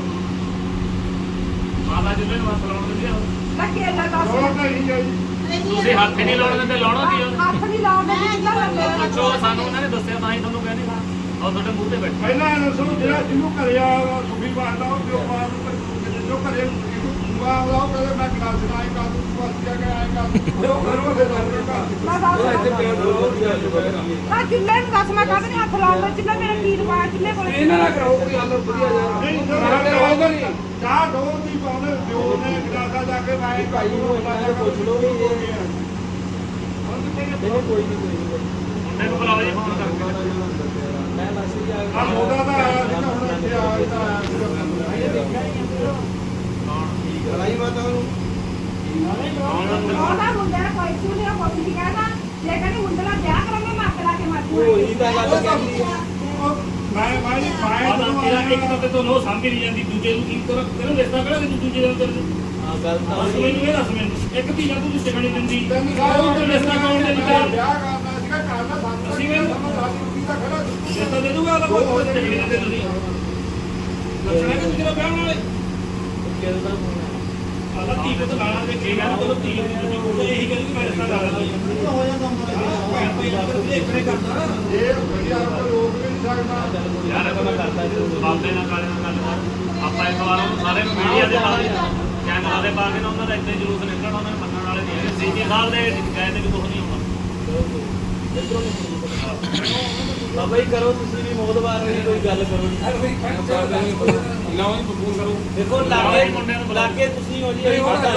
Speaker 2: ਮਾਤਾ ਜੀ ਨੂੰ ਹੱਥ ਲਾਉਣ ਦਿੰਦੇ ਆ
Speaker 4: ਲੱਗੇ ਲੱਗਾ
Speaker 5: ਰੋਣਾ ਨਹੀਂ ਜਾਈ
Speaker 2: ਤੁਸੀਂ ਹੱਥ ਨਹੀਂ ਲਾਉਣ ਦਿੰਦੇ ਲਾਉਣਾ ਕੀ
Speaker 4: ਹੱਥ ਨਹੀਂ ਲਾਉਂਦੇ ਜਿੱਦਾਂ ਲੱਗੇ
Speaker 2: ਪੁੱਛੋ ਸਾਨੂੰ ਉਹਨਾਂ ਨੇ ਦੱਸਿਆ ਤਾਂ ਹੀ ਤੁਹਾਨੂੰ ਕਹਿੰਦੇ ਤੁਹਾਡੇ ਮੂੰਹ ਤੇ ਬੈਠੇ
Speaker 5: ਪਹਿਲਾਂ ਇਹ ਦੱਸੋ ਜਿਹੜਾ ਜਿਹਨੂੰ ਘਰੇ ਆ ਸੁਖੀ ਬਾਤ ਉਹ ਪਿਓ ਬਾਤ ਜੋ ਘਰੇ ਦੂਆ ਉਹ ਕਹਿੰਦੇ ਮੈਂ ਕਲਾਸ ਨਾ ਕਰ ਦੂੰ ਤੂੰ ਅੱਛਾ ਕਿ ਆਏ ਕਰ ਉਹ ਘਰੋਂ ਦੇ
Speaker 4: ਆ ਚੁੱਲ੍ਹੇ ਨੂੰ ਦੱਸ ਮੈਂ ਕਾਹਦੇ ਹੱਥ ਲਾਉਂਦਾ ਚੁੱਲ੍ਹਾ ਮੇਰਾ ਕੀ ਰਿਵਾਜ ਚੁੱਲ੍ਹੇ ਕੋਲ
Speaker 6: ਇਹਨਾਂ ਨਾਲ ਕਰੋ ਕੋਈ ਗੱਲ ਵਧੀਆ ਯਾਰ
Speaker 5: ਚਾਹ ਦੋ ਦੀ ਪਾਉਣੇ ਪਿਓ ਨੇ ਗਲਾਸਾ ਜਾ ਕੇ ਮੈਂ
Speaker 3: ਭਾਈ ਨੂੰ ਇਹਨਾਂ ਨੂੰ ਪੁੱਛ ਲਓ ਵੀ ਇਹ ਕੋਈ ਨਹੀਂ
Speaker 2: ਮੁੰਡੇ ਨੂੰ ਬੁਲਾਓ ਜੀ ਫੋਨ ਕਰਕੇ
Speaker 3: ਮੈਂ ਮੈਸੇਜ ਆ
Speaker 5: ਆ ਮੋਦਾ ਦਾ ਆਇਆ ਸੀ ਹੁਣ ਇੱਥੇ ਆਇਆ
Speaker 3: ਲੜਾਈ ਮਾਤਾ ਨੂੰ
Speaker 4: ਉਹਦਾ ਮੁੰਡਾ ਕੋਈ ਸੁਣਿਆ ਕੋਈ ਨਹੀਂ ਕਹਿੰਦਾ ਜੇ ਕਹਿੰਦੀ ਮੁੰਡੇ ਦਾ ਵਿਆਹ ਕਰਾਂਗੇ ਮੈਂ ਅੱਗ ਲਾ ਕੇ ਮਾਰੂ
Speaker 3: ਉਹੀ ਤਾਂ ਗੱਲ ਕਹਿੰਦੀ ਹੈ
Speaker 2: ਇੱਕ ਤਾਂ ਤੁਹਾਨੂੰ ਸਮਝ ਨਹੀਂ ਜਾਂਦੀ ਦੂਜੇ ਨੂੰ ਕੀ ਕਰੋ ਤੈਨੂੰ ਰਿਸ਼ਤਾ ਕਿਹੜਾ ਤੂੰ ਦੂਜੇ ਨਾਲ ਕਰ
Speaker 3: ਹਾਂ ਗੱਲ ਤਾਂ
Speaker 2: ਦੱਸ ਮੈਨੂੰ ਇਹ ਦੱਸ ਮੈਨੂੰ ਇੱਕ ਧੀ ਤੂੰ ਰਿਸ਼ਤੇ ਨਹੀਂ ਦਿੰਦੀ
Speaker 5: ਤੈਨੂੰ
Speaker 2: ਉਹ ਤਾਂ ਰਿਸ਼ਤਾ ਕੌਣ ਦੇ ਦਿੱਤਾ
Speaker 5: ਵਿਆਹ ਕਰਨਾ ਸੀਗਾ ਕਰਨਾ ਸਾਨੂੰ
Speaker 2: ਅਸੀਂ ਵੀ
Speaker 5: ਦਾ ਖੜਾ
Speaker 2: ਰਿਸ਼ਤਾ ਦੇ ਦੂਗਾ ਉਹਦਾ ਕੋਈ ਝਗੜੇ ਨਹੀਂ ਦਿੰਦੇ ਤੁਸੀਂ ਲੱਛਣਾ ਕਿ ਤੇਰਾ ਵਿਆਹ ਨਾਲੇ
Speaker 3: ਕਿਹਦਾ
Speaker 2: ਆਦਾ ਧੀ ਪੁੱਤ ਲਾਣਾ ਦੇ ਕੇ ਮੈਂ ਕੋਲ ਧੀ ਉਹ ਇਹੀ ਕਹਿੰਦੀ ਕਿ ਮੈਂ ਰਿਸ਼ਤਾ ਲਾ ਲੈਂਦਾ
Speaker 3: ਹੋ ਜਾਂਦਾ
Speaker 5: ਇਹ ਵਧੀਆ ਕੋਈ ਰੋਕ ਵੀ ਨਹੀਂ ਸਕਦਾ
Speaker 2: ਯਾਰ ਮੈਂ ਕਰਦਾ ਬਾਬੇ ਨਾਲ ਕਾਲੇ ਨਾਲ ਗੱਲ ਕਰ ਆਪਾਂ ਇੱਕ ਵਾਰ ਉਹਨੂੰ ਸਾਰੇ ਮੀਡੀਆ ਦੇ ਨਾਲ ਚੈਨਲਾਂ ਦੇ ਪਾ ਕੇ ਨਾ ਉਹਨਾਂ ਦਾ ਇੱਥੇ ਜਲੂਸ ਨਿਕਲਣਾ ਉਹਨਾਂ ਨੇ ਮੰਨਣ ਵਾਲੇ ਨਹੀਂ ਹੈਗੇ ਸੀਜੀ ਸਾਹਿਬ ਦੇ ਕਹਿੰਦੇ ਵੀ ਕੁਝ ਨਹੀਂ ਹੋਣਾ
Speaker 3: ਬਾਬਾ ਜੀ ਕਰੋ ਤੁਸੀਂ ਵੀ ਮੋਦਵਾਰ ਨਹੀਂ ਕੋਈ ਗੱਲ ਕਰੋ
Speaker 6: ਲਾਓ ਜੀ ਫੋਨ ਕਰੋ
Speaker 3: ਦੇਖੋ ਲਾਗੇ ਤੁਸੀਂ ਹੋ ਜੀ ਅਸੀਂ ਪਤਾ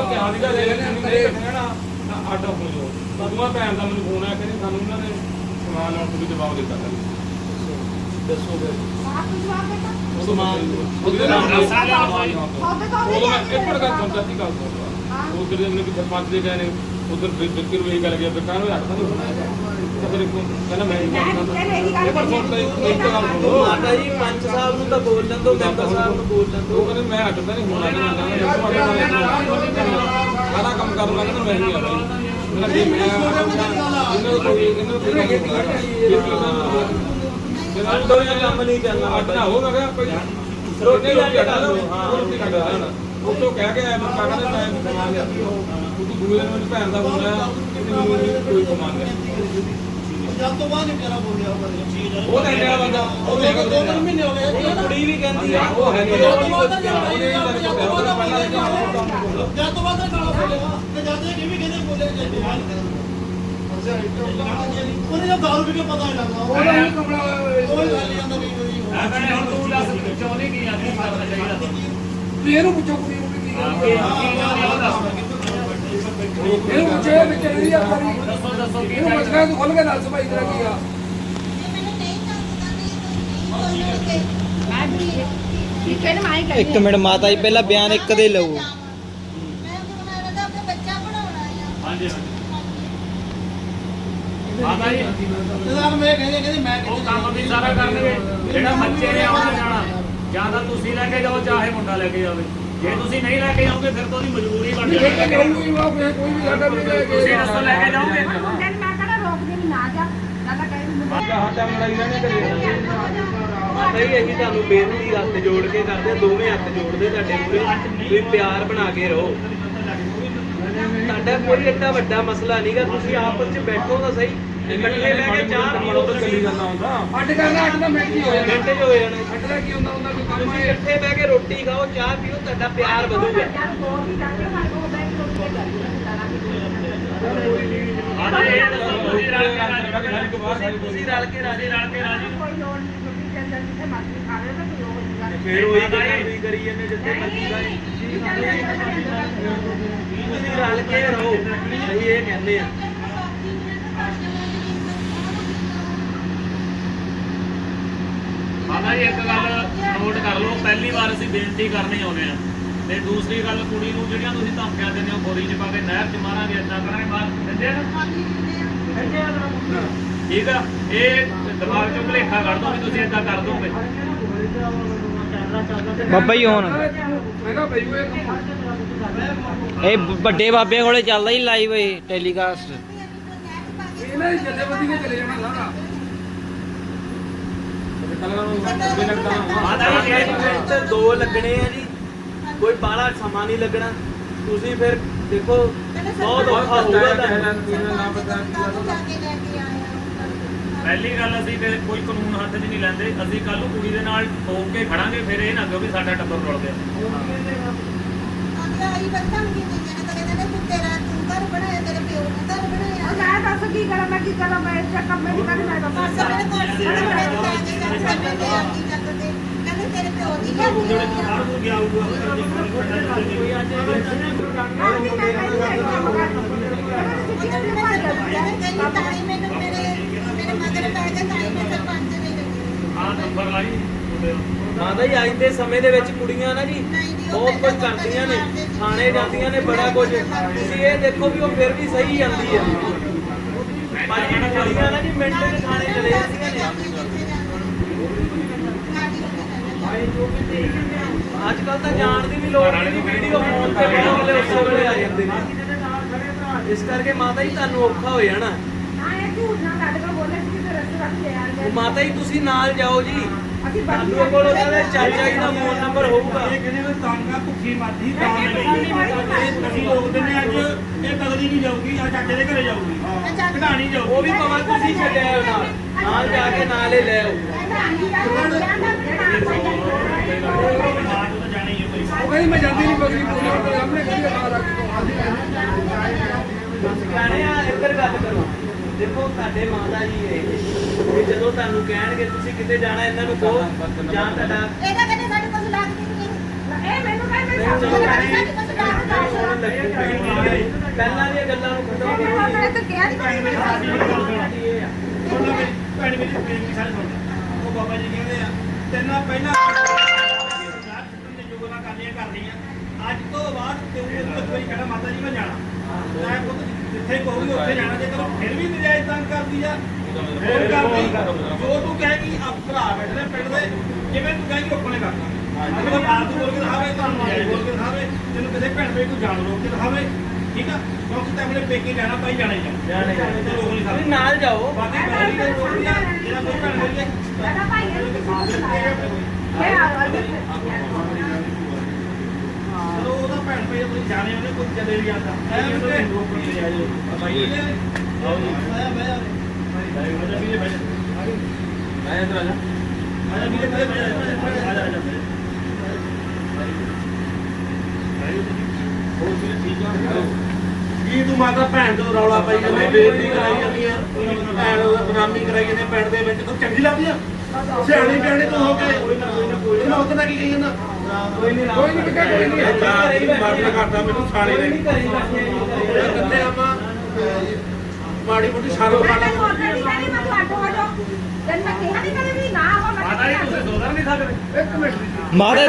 Speaker 6: ਆਟਾ ਹੋ ਜੋ ਬਾਬੂਆ ਭੈਣ ਦਾ ਮੈਨੂੰ ਫੋਨ ਆਇਆ ਕਿ ਸਾਨੂੰ ਉਹਨਾਂ ਨੇ ਸਮਾਨ ਲਾਉਣ ਤੋਂ ਜਵਾਬ ਦਿੱਤਾ
Speaker 3: ਦੱਸੋ ਫਿਰ
Speaker 4: ਆਪ ਨੂੰ ਜਵਾਬ ਦੇਤਾ
Speaker 3: ਸਮਾਨ
Speaker 6: ਉਹਦੇ ਨਾਲ
Speaker 4: ਉਹਦੇ ਤੋਂ
Speaker 6: ਉਹ ਮੈਂ ਇੱਕ ਮਿੰਟ ਗੱਲ ਸੁਣਦਾ ਸੀ ਗੱਲ ਸੁਣਦਾ ਉਧਰ ਦੇ ਮੈਨੂੰ ਕਿ ਸਰਪੰਚ ਦੇ ਗਏ ਨੇ ਉਧਰ ਬਿਲਕੁਲ ਵੀ ਗੱਲ ਗਿਆ ਬੇਕਾਰ ਨੂੰ ਹੱਥ ਤਾਂ ਫਿਰ ਕਹਿੰਦਾ ਮੈਂ ਇਹ ਪਰ ਸੁਣ ਲਈ ਇੱਕ ਗੱਲ ਸੁਣੋ
Speaker 3: ਮਾਤਾ ਜੀ ਪੰਚ ਸਾਹਿਬ ਨੂੰ ਤਾਂ ਬੋਲ ਲੈਂਦੋ ਮੈਂਬਰ ਸਾਹਿਬ ਨੂੰ ਬੋਲ ਲੈਂਦੋ
Speaker 6: ਉਹ ਕਹਿੰਦੇ ਮੈਂ ਹਟਦਾ ਨਹੀਂ ਸਾਰਾ ਕੰਮ ਕਰਨ ਲੱਗਾ ਤਾਂ ਮੈਂ ਨਹੀਂ ਆ ਮੇਰਾ ਵੀ ਮੈਂ ਇਹਨਾਂ
Speaker 3: ਅੰਦਰੋਂ ਹੀ ਕੰਮ ਨਹੀਂ ਚੱਲਣਾ
Speaker 6: ਅੱਡਾ ਹੋ ਮੈਂ ਕਿਹਾ ਕੋਈ
Speaker 3: ਰੋਟੀ ਲਾ ਕੇ ਖਾ ਲਓ
Speaker 6: ਰੋਟੀ ਖਾ ਲਓ ਉਹ ਤੋਂ ਕਹਿ ਕੇ ਆਇਆ ਮੈਂ ਕਾਕਾ ਦੇ ਟਾਈਮ ਕਮਾ ਲਿਆ ਉਹ ਤੋਂ ਦੂਏ ਦਿਨ ਮੇਰੀ ਭੈਣ ਦਾ ਫੋਨ ਆਇਆ ਕਿ ਮੈਨੂੰ ਕੋਈ ਕਮਾ ਲਿਆ
Speaker 7: ਜਦ ਤੋਂ ਬਾਅਦ ਵਿਚਾਰਾ ਬੋਲਿਆ
Speaker 6: ਉਹ ਤਾਂ ਇੰਨਾ ਬੰਦਾ ਉਹ ਦੇਖ
Speaker 7: ਦੋ ਤਿੰਨ ਮਹੀਨੇ ਹੋ ਗਏ
Speaker 3: ਉਹ ਕੁੜੀ ਵੀ ਕਹਿੰਦੀ ਆ
Speaker 6: ਉਹ ਹੈ ਨਹੀਂ
Speaker 7: ਜਦ ਤੋਂ ਬਾਅਦ ਗਾਲਾਂ ਬੋਲਿਆ ਤੇ ਜਦ ਇਹ ਵੀ ਕਹਿੰਦੇ ਬੋਲੇ ਉਹਨੇ ਜਦ ਦਾਰੂ ਪੀ ਕੇ ਪਤਾ ਨਹੀਂ ਲੱਗਦਾ
Speaker 5: ਉਹਦਾ ਹੀ ਕਮਲਾ
Speaker 7: ਉਹ ਹੀ ਗੱਲ ਜਾਂਦਾ ਨਹੀਂ ਕੋਈ
Speaker 2: ਮੈਂ ਕਹਿੰਦਾ ਹੁਣ ਤੂੰ ਦੱਸ ਚਾਹੁੰਦੀ ਕੀ ਆ ਕੀ ਕਰਨਾ ਚਾਹੀਦਾ
Speaker 6: ਵੀ ਇਹਨੂੰ ਪੁੱਛੋ ਕੁੜੀ ਨੂੰ ਵੀ ਕੀ ਇਹਨੂੰ ਪੁੱਛੋ ਇਹ ਵਿਚਾਰੀ ਆ ਕਰੀ
Speaker 2: ਦੱਸੋ ਕੀ
Speaker 6: ਇਹਨੂੰ ਪੁੱਛਣਾ ਤੂੰ ਖੁੱਲ ਕੇ ਦੱਸ ਭਾਈ ਤੇਰਾ ਕੀ ਆ
Speaker 4: ਠੀਕ ਹੈ ਨਾ ਮੈਂ ਹੀ ਕਹਿੰਦੀ
Speaker 1: ਇੱਕ ਮਿੰਟ ਮਾਤਾ ਜੀ ਪਹਿਲਾਂ ਬਿਆਨ ਇੱਕ ਦੇ ਲਓ
Speaker 2: ਹਾਂਜੀ ਮਾਤਾ ਜੀ
Speaker 7: ਜਦਾਂ ਮੈਂ ਕਹਿੰਦੇ ਮੈਂ
Speaker 2: ਉਹ ਕੰਮ ਵੀ ਸਾਰਾ ਕਰਨਗੇ ਜਿਹੜਾ ਬੱਚੇ ਨੇ ਆਉਣਾ ਜਾਣਾ ਜਾਂ ਤਾਂ ਤੁਸੀਂ ਲੈ ਕੇ ਜਾਓ ਚਾਹੇ ਮੁੰਡਾ ਲੈ ਕੇ ਜਾਵੇ ਜੇ ਤੁਸੀਂ ਨਹੀਂ ਲੈ ਕੇ ਜਾਓਗੇ ਫਿਰ ਤਾਂ ਉਹਦੀ ਮਜਬੂਰੀ ਬਣ ਜਾਏਗੀ
Speaker 6: ਕੋਈ ਵੀ ਸਾਡਾ ਵੀ
Speaker 2: ਤੁਸੀਂ ਰਸਤਾ ਲੈ ਕੇ ਜਾਓਗੇ
Speaker 4: ਮੁੰਡੇ ਨੂੰ ਮੈਂ ਕਹਿੰਦਾ ਰੋਕਦੀ ਨਹੀਂ ਨਾ ਜਾ ਨਾ ਤਾਂ ਕਹਿੰਦੀ ਮੁੰਡੇ
Speaker 6: ਹਾਂ ਟਾਈਮ ਲੜਾਈ ਰਹਿਣੇ ਕਰੇ
Speaker 3: ਮਾਤਾ ਜੀ ਅਸੀਂ ਤੁਹਾਨੂੰ ਬੇਨਤੀ ਹੱਥ ਜੋੜ ਕੇ ਕਰਦੇ ਦੋਵੇਂ ਹੱਥ ਜੋੜਦੇ ਤੁਹਾਡੇ ਮੂਹਰੇ ਤੁਸੀਂ ਪਿਆਰ ਬਣਾ ਕੇ ਰਹੋ ਤੁਹਾਡਾ ਕੋਈ ਏਡਾ ਵੱਡਾ ਮਸਲਾ ਨਹੀਂਗਾ ਤੁਸੀਂ ਆਪਸ ਚ ਬੈਠੋ ਤਾਂ ਸਹੀ ਇਕੱਠੇ ਬਹਿ ਕੇ ਚਾਹ ਪੀਓ
Speaker 6: ਚੱਲੀ ਜਾਂਦਾ ਹੁੰਦਾ ਅੱਡ ਕਰਨਾ ਅੱਡ ਦਾ ਮਿੰਟ ਹੀ ਹੋ ਜਾਣਾ
Speaker 3: ਮਿੰਟ ਚ ਹੋ ਜਾਣਾ
Speaker 6: ਅੱਡ ਦਾ ਕੀ ਹੁੰਦਾ ਕੋਈ ਕੰਮ
Speaker 3: ਤੁਸੀਂ
Speaker 6: ਹੈ
Speaker 3: ਇਕੱਠੇ ਬਹਿ ਕੇ ਰੋਟੀ ਖਾਓ ਚਾਹ ਪੀਓ ਤੁਹਾਡਾ ਪਿਆਰ ਵਧੂਗਾ
Speaker 2: ਮਾਤਾ ਜੀ ਇਹ ਦੱਸੋ ਤੁਸੀਂ ਰਲ ਕੇ ਰਾਜੀ
Speaker 3: ਤੁਸੀਂ ਰਲ ਕੇ ਰਾਜੀ
Speaker 4: ਕੋਈ ਲੋੜ ਨਹੀਂ ਛੁੱਟੀ ਚੱਲ ਜਾਂਦੀ ਤੇ ਮਰਜ਼ੀ ਖਾ ਲੈ ਤਾਂ ਕੋਈ ਉਹ ਹੋਊਗਾ
Speaker 3: ਫੇਰ ਉਹੀ ਗੱਲ ਵੀ ਕਰੀ ਜਾਂਦੇ ਜਿੱਥੇ ਮਰਜ਼ੀ ਦਾ ਤੁਸੀਂ ਰਲ ਕੇ ਰਹੋ ਸਹੀ ਇਹ ਕਹਿੰਦੇ ਆ
Speaker 2: ਮਾਤਾ ਜੀ ਇੱਕ ਗੱਲ ਨੋਟ ਕਰ ਲਓ ਪਹਿਲੀ ਵਾਰ ਅਸੀਂ ਬੇਨਤੀ ਕਰਨੀ ਆਉਂਦੇ ਆ ਤੇ ਦੂਸਰੀ ਗੱਲ ਕੁੜੀ ਨੂੰ ਜਿਹੜੀਆਂ ਤੁਸੀਂ ਧਮਕੀਆਂ ਦਿੰਦੇ ਹੋ ਬੋਰੀ 'ਚ ਪਾ ਕੇ ਨਹਿਰ 'ਚ ਮਾਰਾਂਗੇ ਏਦਾਂ ਕਰਾਂਗੇ ਮਾਰ ਦਿੰਦੇ ਆ ਨਾ ਠੀਕ ਆ ਇਹ ਦਿਮਾਗ 'ਚੋਂ ਭੁਲੇਖਾ ਕੱਢ ਦੋ ਵੀ ਤੁਸੀਂ ਏਦਾਂ ਕਰ ਦੋਗੇ
Speaker 1: ਬਾਬਾ ਜੀ ਹੁਣ
Speaker 6: ਮੈਂ ਕਿਹਾ ਭਾਈ
Speaker 1: ਇਹ ਵੱਡੇ ਬਾਬੇ ਕੋਲੇ ਚੱਲਦਾ ਹੀ ਲਾਈਵ ਇਹ ਟੈਲੀਕਾਸਟ
Speaker 6: ਇਹਨਾਂ ਦੀ ਜਥੇਬੰਦੀ ਨੇ ਚਲੇ ਜਾਣਾ ਸਾਰਾ ਕੱਲ੍ਹ ਨੂੰ ਅੱਗੇ ਲੱਗਦਾ
Speaker 3: ਮਾਤਾ ਜੀ ਇਹ ਦੋ ਲੱਗਣੇ ਆ ਜੀ ਕੋਈ ਬਾਹਲਾ ਸਮਾਂ ਨਹੀਂ ਲੱਗਣਾ ਤੁਸੀਂ ਫਿਰ ਦੇਖੋ ਬਹੁਤ ਔਖਾ ਹੋਊਗਾ ਤੁਹਾਨੂੰ
Speaker 6: ਨਾ ਪਤਾ
Speaker 2: ਪਹਿਲੀ ਗੱਲ ਅਸੀਂ ਤੇ ਕੋਈ ਕਾਨੂੰਨ ਹੱਥ 'ਚ ਨਹੀਂ ਲੈਂਦੇ, ਅਸੀਂ ਕੱਲ ਨੂੰ ਕੁੜੀ ਦੇ ਨਾਲ ਠੋਕ ਕੇ ਖੜਾਂਗੇ, ਫਿਰ ਇਹ ਨਾ ਕਹੋ ਵੀ ਸਾਡਾ ਟੱਬਰ ਰੁਲ ਗਿਆ।
Speaker 4: ਮੈਂ ਦੱਸ ਕੀ ਕਰਾਂ, ਮੈਂ ਕੀ ਕਰਾਂ, ਮੈਂ ਚੱਕਰ ਮੈਂ ਨਹੀਂ ਮੈਂ
Speaker 2: ਆਹ ਨੰਬਰ ਲਾਈ ਮੁੰਡੇ ਦਾ।
Speaker 3: ਮਾਤਾ ਜੀ ਅੱਜ ਦੇ ਸਮੇਂ ਦੇ ਵਿੱਚ ਕੁੜੀਆਂ ਨਾ ਜੀ ਬਹੁਤ ਕੁਝ ਕਰਦੀਆਂ ਨੇ, ਥਾਣੇ ਜਾਂਦੀਆਂ ਨੇ ਬੜਾ ਕੁਝ। ਤੁਸੀਂ ਇਹ ਦੇਖੋ ਵੀ ਉਹ ਫਿਰ ਵੀ ਸਹੀ ਜਾਂਦੀ ਹੈ। ਪਰ ਕੁੜੀਆਂ ਨਾ ਜੀ ਮਿੰਟ ਦੇ ਥਾਣੇ ਚਲੇ ਜਾਂਦੀਆਂ ਨੇ। ਅੱਜ ਕੱਲ ਤਾਂ ਜਾਣ ਦੀ ਵੀ ਲੋੜ ਨਹੀਂ, ਵੀਡੀਓ ਫੋਨ ਤੇ ਬਣਾ ਵਾਲੇ ਉਸੇ ਵੇਲੇ ਆ ਜਾਂਦੇ ਨੇ। ਇਸ ਕਰਕੇ ਮਾਤਾ ਜੀ ਤੁਹਾਨੂੰ ਔਖਾ ਹੋ ਜਾਣਾ।
Speaker 4: ਹਾਂ ਇਹ ਝੂਠ ਨਾ ਕੱਢ ਕੇ ਬੋਲੇ ਸੀ ਕਿ ਰਸਤੇ ਵੱਲ ਲੈ ਆ
Speaker 3: ਉਹ ਮਾਤਾ ਜੀ ਤੁਸੀਂ ਨਾਲ ਜਾਓ ਜੀ,
Speaker 4: ਅਸੀਂ
Speaker 3: ਤੁਹਾਨੂੰ ਕੋਲ ਉਹਨਾਂ ਦੇ ਚਾਚਾ ਜੀ ਦਾ ਫੋਨ ਨੰਬਰ ਹੋਊਗਾ।
Speaker 7: ਇਹ ਕਹਿੰਦੇ ਵੀ ਤਾਂਗਾ ਭੁੱਖੀ ਮਰਦੀ ਤਾਂ ਅਸੀਂ ਲੋਕ ਦਿੰਦੇ ਅੱਜ ਇਹ ਬਦਲੀ ਨਹੀਂ ਜਾਊਗੀ, ਆ ਚਾਚੇ ਦੇ ਘਰੇ ਜਾਊਗੀ, ਕਢਾਣੀ ਜਾਊਗੀ।
Speaker 3: ਉਹ ਵੀ ਭਾਵੇਂ ਤੁਸੀਂ ਛੱਡਿਆ ਆਓ ਨਾਲ ਜਾ ਕੇ ਨਾਲ ਹੀ ਲੈ ਆਓ।
Speaker 7: ਉਹ ਕਹਿੰਦੀ ਮੈਂ ਜਾਂਦੀ ਨਹੀਂ ਬਦਲੀ ਪੂਰੀ ਉਹਦੇ ਸਾਹਮਣੇ ਕਹਿੰਦੀ ਆ ਲੱਗ
Speaker 3: ਸਿਆਣੇ ਆ ਇੱਧਰ ਗੱਲ ਕਰੋ। ਦੇਖੋ ਤੁਹਾਡੇ ਮਾਤਾ ਜੀ ਇਹ ਜਦੋਂ ਤੁਹਾਨੂੰ ਕਹਿਣਗੇ ਤੁਸੀਂ ਕਿਤੇ ਜਾਣਾ, ਇਹਨਾਂ ਨੂੰ ਕਹੋ ਜਾਂ ਤੁਹਾਡਾ ਪਹਿਲਾਂ ਦੀਆਂ ਗੱਲਾਂ ਨੂੰ ਖਤਮ ਕਰੋ।
Speaker 7: ਭੈਣ ਮੇਰੀ ਬੇਨਤੀ ਸਾਰੇ ਸੁਣ ਉਹ ਬਾਬਾ ਜੀ ਕਹਿੰਦੇ ਆ ਤੈਨਾਂ ਪਹਿਲਾਂ ਜੋਗਨਾ ਕਰਨੀਆਂ ਅੱਜ ਤੋਂ ਬਾਅਦ ਤੂੰ ਇੱਕ ਵਾਰੀ ਕਹਿਣਾ ਮਾਤਾ ਜੀ ਮੈਂ ਜਾਣਾ, ਮੈਂ ਪੁੱਤ ਜਿੱਥੇ ਕਹੂਗੀ ਉੱਥੇ ਜਾਣਾ। ਜੇ ਕਰੋ ਫਿਰ ਵੀ ਨਜਾਇਜ਼ ਤੰਗ ਕਰਦੀ ਆ ਫਿਰ ਕਰਦੀ, ਜੋ ਤੂੰ ਕਹੇਗੀ ਆ ਭਰਾ ਬੈਠਦੇ ਪਿੰਡ ਦੇ, ਜਿਵੇਂ ਤੂੰ ਕਹੇਗੀ ਉੱਪਰਨੇ ਕਰਨਾ। ਅਗਰ ਫਾਲਤੂ ਬੋਲ ਕੇ ਦਿਖਾਵੇ, ਤੁਹਾਨੂੰ ਨਜਾਇਜ਼ ਬੋਲ ਕੇ ਦਿਖਾਵੇ, ਤੈਨੂੰ ਕਿਸੇ ਭੈਣ ਭਾਈ ਕੋਈ ਜਾਣ ਰੋਕ ਕੇ ਦਿਖਾਵੇ, ਠੀਕ ਆ, ਕਿਉਂਕਿ ਤੈਂ ਆਪਣੇ ਪੇਕੇ ਜਾਣਾ ਭਾਈ ਜਾਣਾ ਹੀ ਜਾਣਾ ਤੇ ਰੋਕ ਨਹੀਂ ਸਕਦਾ।
Speaker 3: ਨਾਲ ਜਾਓ।
Speaker 7: ਬਾਕੀ ਪਹਿਲੀ ਗੱਲ ਰੋਕਦੀ ਆ ਜਿਹੜਾ ਕੋਈ ਭੈਣ ਮੇਰੀ ਚਲੋ ਉਹਦਾ ਭੈਣ ਭਾਈ ਆਪਣੀ ਜਾਣੇ ਉਹਨੇ ਕੋਈ ਚਲੇ ਵੀ ਜਾਂਦਾ ਐ ਵੀਰੇ ਰੋਕਣੀ ਲੈ ਜਾਓ ਭਾਈ ਆਓ ਜੀ ਭਾਈ ਵੀਰੇ ਭਾਈ ਮੈਂ ਇੱਧਰ ਆ ਜਾ ਆ ਜਾ ਵੀਰੇ ਭਾਈ ਆ ਜਾ ਹੋਰ ਵੀਰੇ ਠੀਕ ਆ। ਕੀ ਤੂੰ ਮਾਤਾ ਭੈਣ ਤੋਂ ਰੌਲਾ ਪਾਈ ਜਾਂਦੇ, ਬੇਇੱਜ਼ਤੀ ਕਰਾਈ ਜਾਂਦੀ ਆ, ਭੈਣ ਉਹ ਬਦਨਾਮੀ ਕਰਾਈ ਜਾਂਦੇ ਪਿੰਡ ਦੇ ਵਿੱਚ, ਤੂੰ ਚੰਗੀ ਲੱਗਦੀ ਆ? ਸਿਆਣੀ ਪਿਆਣੀ ਤੂੰ ਹੋ ਕੇ ਇਹਨਾਂ ਉਤਨਾ ਕੀ ਕਹੀ ਜਾਂਦਾ? ਕੋਈ ਨਹੀਂ ਕਿਹਾ ਕੋਈ ਨਹੀਂ ਮਰਨ ਕਰਦਾ ਮੈਨੂੰ ਸਾਲੇ ਨੇ ਕਿੱਥੇ ਆਪਾਂ ਮਾੜੀ ਮੋਟੀ ਸ਼ਰਮ ਕਰ ਲੈ।
Speaker 2: ਮਾਤਾ ਜੀ ਤੁਸੀਂ ਸੁਧਰ ਨਹੀਂ ਸਕਦੇ।
Speaker 5: ਇੱਕ ਮਿੰਟ
Speaker 1: ਮਾਤਾ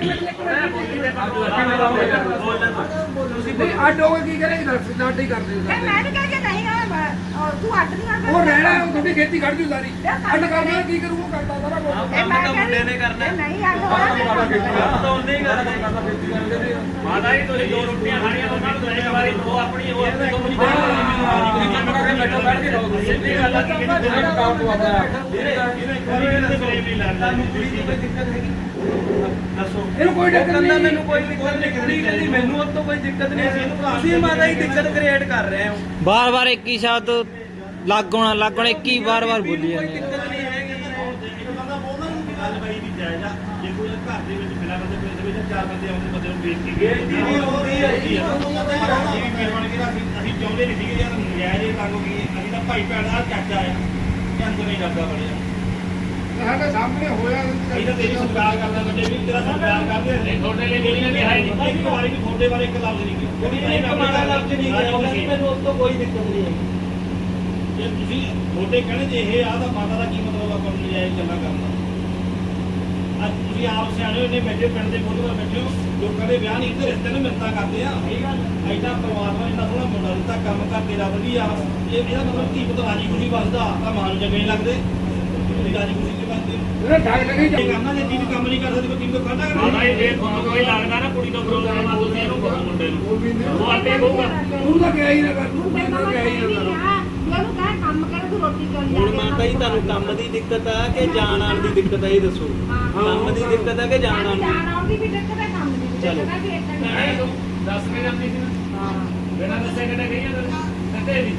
Speaker 5: ਤੁਸੀਂ ਨਹੀਂ ਅੱਡ ਹੋ ਕੇ ਕੀ ਕਰੇਗੀ? ਅੱਡ ਹੀ ਕਰਦੇ ਹੋ
Speaker 4: ਮੈਂ ਨਹੀਂ ਕਹਿ ਕੇ ਨਹੀਂ ਤੂੰ ਅੱਡ ਨਹੀਂ ਕਰਦਾ।
Speaker 5: ਉਹ ਰਹਿਣਾ ਉਹ ਤੁਹਾਡੀ ਖੇਤੀ ਕੱਢ ਜੂ ਸਾਰੀ। ਅੱਡ ਕਰਨਾ ਕੀ ਕਰੂ? ਉਹ ਕਰਦਾ ਸਾਰਾ ਕੁਝ।
Speaker 3: ਕੰਮ ਤਾਂ ਮੁੰਡੇ ਨੇ ਕਰਨਾ।
Speaker 4: ਨਹੀਂ ਅੱਡ ਹੋਣਾ
Speaker 3: ਤਾਂ ਉਹਨੇ ਹੀ ਕਰਨਾ।
Speaker 2: ਮਾਤਾ ਜੀ ਤੁਸੀਂ ਦੋ ਰੋਟੀਆਂ ਖਾਣੀਆਂ, ਉਹਨਾਂ ਨੂੰ ਇੱਕ ਵਾਰੀ ਉਹ ਆਪਣੀ ਉਹ ਆਪਣੀ ਤੋਂ ਨਹੀਂ ਦੇਣੀ। ਚੁੱਪ ਕਰਕੇ ਬੈਠੋ, ਬੈਠ ਕੇ ਰਹੋ। ਸਿੱਧੀ ਗੱਲ ਆ ਕਿ ਜਿਹੜਾ ਕੰਮ ਤੋਂ ਆਉਂਦਾ ਹੈ
Speaker 3: ਤੁਹਾਨੂੰ ਕੁੜੀ ਦੀ ਕੋਈ ਦਿੱਕਤ ਹੈਗੀ? ਦੱਸੋ।
Speaker 5: ਇਹਨੂੰ ਕੋਈ ਦਿੱਕਤ
Speaker 3: ਕਹਿੰਦਾ
Speaker 5: ਨਹੀਂ।
Speaker 3: ਮੈਨੂੰ ਕੋਈ ਦਿੱਕਤ ਨਹੀਂ, ਕਹਿੰਦੀ ਮੈਨੂੰ ਉਹ ਤੋਂ ਕੋਈ ਦਿੱਕਤ ਨਹੀਂ। ਤੁਸੀਂ ਮਾਤਾ ਹੀ ਦਿੱਕਤ ਕ੍ਰੀਏਟ ਕਰ ਰਹੇ ਹੋ।
Speaker 1: ਬਾਰ-ਬਾਰ ਇੱਕ ਹੀ ਸ਼ਬਦ ਲੱਗਣਾ ਇੱਕ ਹੀ ਵਾਰ-ਵਾਰ ਬੋਲੀ
Speaker 3: ਕੋਈ
Speaker 1: ਜਾਂਦੇ।
Speaker 3: ਦਿੱਕਤ ਨਹੀਂ ਹੈਗੀ।
Speaker 7: ਗੱਲ ਬਾਈ ਵੀ ਜਾਇਜ਼ ਆ। ਜੇ ਕੋਈ ਘਰ ਦੇ ਵਿੱਚ ਮਿਲਾ ਬੰਦੇ ਪਿੰਡ ਦੇ ਵਿੱਚ ਚਾਰ ਬੰਦੇ ਆਉਂਦੇ ਬੰਦੇ ਨੂੰ ਵੇਖ ਕੇ
Speaker 3: ਬੇਇੱਜ਼ਤੀ ਵੀ ਹੁੰਦੀ ਹੈ ਜੀ।
Speaker 7: ਅਸੀਂ ਵੀ ਮਿਹਰਬਾਨੀ ਕਰਾ ਅਸੀਂ ਚਾਹੁੰਦੇ ਨਹੀਂ ਸੀਗੇ ਯਾਰ ਨਜਾਇਜ਼ ਇਹ ਤੰਗ ਹੋ ਗਈ। ਅਸੀਂ ਤਾਂ ਭਾਈ ਭੈਣ ਦਾ ਚਾਚਾ ਆ ਤੇ ਅੰਦਰ ਨਹੀਂ ਲੱਗਾ ਬੜਿਆ।
Speaker 5: ਸਾਡੇ ਸਾਹਮਣੇ ਹੋਇਆ
Speaker 7: ਅਸੀਂ ਤਾਂ ਤੇਰੀ ਸਤਿਕਾਰ ਕਰਦਾ ਬੱਚੇ ਵੀ ਤੇਰਾ ਸਤਿਕਾਰ ਕਰਦੇ ਨੇ।
Speaker 2: ਤੁਹਾਡੇ ਲਈ ਜਿਹੜੀਆਂ ਵੀ ਹੈ ਨਹੀਂ।
Speaker 7: ਇੱਕ ਵਾਰੀ ਵੀ ਤੁਹਾਡੇ ਬਾਰੇ ਇੱਕ ਲਫ਼ਜ਼ ਨਹੀਂ ਕੀਤਾ।
Speaker 3: ਕੋਈ ਇੱਕ ਮਾੜਾ ਲਫ਼ਜ਼ ਨਹੀਂ ਕਿਹਾ, ਮੈਨੂੰ ਉਸ ਤੋਂ ਕੋਈ ਦਿੱਕਤ ਨਹੀਂ ਹੈਗੀ।
Speaker 7: ਜੇ ਤੁਸੀਂ ਤੁਹਾਡੇ ਕਹਿਣੇ ਜੇ ਇਹ ਆ ਤਾਂ ਮਾਤਾ ਦਾ ਕੀ ਮਤਲਬ ਆਪਾਂ ਨੂੰ ਨਜਾਇਜ਼ ਗੱਲਾਂ ਕਰਨਾ। ਅੱਜ ਤੁਸੀਂ ਆਪ ਸਿਆਣੇ ਹੋਏ ਨੇ, ਬੈਠੇ ਪਿੰਡ ਦੇ ਮੋਢੇ 'ਤੇ ਬੈਠੇ ਹੋ, ਲੋਕਾਂ ਦੇ ਵਿਆਹ ਨਹੀਂ ਤੇ ਰਿਸ਼ਤੇ ਨੂੰ ਮਿੰਨਤਾਂ ਕਰਦੇ ਆ। ਐਡਾ ਪਰਮਾਤਮਾ ਇੰਨਾ ਸੋਹਣਾ ਮੁੰਡਾ ਦਿੱਤਾ, ਕੰਮ ਕਰ ਤੇਰਾ ਵਧੀਆ। ਇਹਦਾ ਮਤਲਬ ਕੀ ਪਤਾ ਰਾਜੀ ਖੁਸ਼ੀ ਵੱਸਦਾ ਤਾਂ ਮਾਂ ਨੂੰ ਚੰਗੇ ਲੱਗਦੇ। ਰਾਜੀ ਖੁਸ਼ੀ ਨਹੀਂ ਵੱਸਦੀ।
Speaker 5: ਇਹਨੇ ਠੱਗ ਲੱਗੀ
Speaker 7: ਇਹ ਕਰਨਾ ਜੇ ਚੀਜ਼ ਕੰਮ ਨਹੀਂ ਕਰ ਸਕਦੀ ਕੋਈ ਚੀਜ਼ ਤੋਂ ਕਾਹਦਾ
Speaker 2: ਮਾਤਾ ਜੀ
Speaker 7: ਕਰਨਾ।
Speaker 2: ਜੇ ਤੁਹਾਨੂੰ ਕੋਈ ਲੱਗਦਾ ਨਾ ਕੁੜੀ ਤੋਂ ਪ੍ਰੋਬਲਮ ਆ, ਤੁਸੀਂ ਇਹਨੂੰ ਕਹੋ ਮੁੰਡੇ ਨੂੰ, ਉਹ ਆਪੇ ਕਹੂਗਾ।
Speaker 5: ਤੂੰ ਤਾਂ ਕਿਹਾ ਹੀ ਨਾ ਕਰ, ਤੂੰ ਤਾਂ ਕਿਹਾ ਹੀ ਨਾ ਕਰ।
Speaker 4: ਉਹਨੂੰ ਕਹਿ ਕੰਮ ਕਰ, ਤੂੰ ਰੋਟੀ ਕਰ
Speaker 3: ਹੁਣ ਮਾਤਾ ਜੀ ਤੁਹਾਨੂੰ ਕੰਮ ਦੀ ਦਿੱਕਤ ਆ ਕਿ ਜਾਣ ਆਉਣ ਦੀ ਦਿੱਕਤ ਆ, ਇਹ ਦੱਸੋ। ਕੰਮ ਦੀ ਦਿੱਕਤ ਆ ਕਿ ਜਾਣ ਆਉਣ ਦੀ?
Speaker 4: ਜਾਣ ਆਉਣ ਦੀ ਵੀ ਦਿੱਕਤ ਹੈ, ਕੰਮ ਦੀ ਵੀ ਦਿੱਕਤ ਹੈ, ਵੀ ਏਦਾਂ ਨਹੀਂ।
Speaker 2: ਦੱਸ ਕੇ ਜਾਂਦੀ ਸੀ ਨਾ, ਬਿਨਾਂ ਦੱਸੇ ਕਿਤੇ ਗਈ ਆ ਕਦੇ ਵੀ।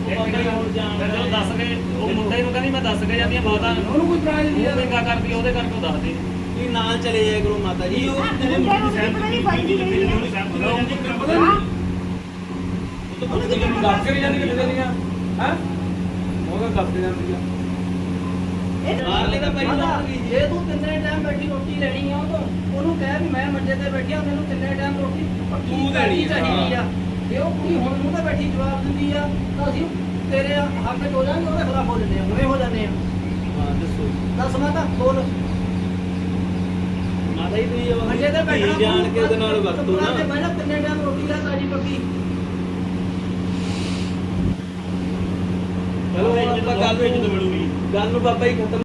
Speaker 3: ਬਾਬਾ ਜੀ ਹੁਣ ਜਾਣ
Speaker 2: ਜਦੋਂ ਦੱਸ ਕੇ ਉਹ ਮੁੰਡੇ ਨੂੰ ਕਹਿੰਦੀ ਮੈਂ ਦੱਸ ਕੇ ਜਾਂਦੀ ਆ ਮਾਤਾ
Speaker 7: ਉਹਨੂੰ ਕੋਈ ਪ੍ਰਾਈਜ਼ ਨਹੀਂ
Speaker 2: ਉਹ ਮਹਿੰਗਾ ਕਰਦੀ ਆ, ਉਹਦੇ ਕਰਕੇ ਉਹ ਦੱਸਦੀ
Speaker 3: ਤੁਸੀਂ ਨਾਲ ਚਲੇ ਜਾਇਆ ਕਰੋ ਮਾਤਾ ਜੀ
Speaker 7: ਉਹ ਤੇਰੇ
Speaker 4: ਮੁੰਡੇ ਨੂੰ
Speaker 7: ਮੁੰਡੇ
Speaker 4: ਪਤਾ ਨਹੀਂ ਬੰਦੀ ਗਈ ਹੈ
Speaker 7: ਪਤਾ ਨਹੀਂ
Speaker 6: ਦੱਸ ਕੇ ਨਹੀਂ ਜਾਂਦੀ ਕਿੱਥੇ ਦੀਆਂ ਹੈ ਉਹ ਤਾਂ ਦੱਸ ਕੇ ਜਾਂਦੀ ਆ
Speaker 3: ਬਾਹਰਲੇ ਤਾਂ ਪਹਿਲਾਂ
Speaker 8: ਜੇ ਤੂੰ ਤਿੰਨੇ ਟਾਈਮ ਬੈਠੀ ਰੋਟੀ ਲੈਣੀ ਆ ਉਹਨੂੰ ਕਹਿ ਵੀ ਮੈਂ ਮੰਜੇ ਤੇ ਬੈਠੀ ਆ ਮੈਨੂੰ ਤਿੰਨੇ ਟਾਈਮ ਰੋਟੀ ਪੱਕੀ
Speaker 3: ਤੂੰ ਦੇਣੀ
Speaker 8: ਚਾਹੀਦੀ ਆ ਜੇ ਉਹ ਕੁੜੀ ਹੁਣ ਮੂੰਹ ਤੇ ਬੈਠੀ ਜਵਾਬ ਦਿੰਦੀ ਆ ਤਾਂ ਅਸੀਂ ਤੇਰੇ ਹੱਕ ਚ ਹੋ ਜਾਾਂਗੇ ਉਹਦੇ ਖਿਲਾਫ ਹੋ ਜੰਨੇ ਆ ਹੁਣੇ ਹੋ ਜਾਂਦੇ ਆ
Speaker 3: ਹਾਂ ਦੱਸੋ
Speaker 8: ਦੱਸ ਮਾਤਾ ਬੋਲ
Speaker 3: ਮਾਤਾ ਜੀ ਤੁਸੀਂ ਉਹ
Speaker 8: ਮੰਜੇ ਤੇ ਬੈਠਣਾ
Speaker 3: ਧੀ ਜਾਣ ਕੇ ਉਹਦੇ ਨਾਲ ਵਰਤੋ ਨਾ
Speaker 8: ਤੇ ਮੈਂ ਨਾ ਤਿੰਨੇ ਟਾਈਮ ਰੋਟੀ ਦਾ ਤਾਜੀ ਪੱਕੀ
Speaker 3: ਚਲੋ ਆਪਾਂ ਗੱਲ ਨੂੰ ਬਾਬਾ ਜੀ ਖਤਮ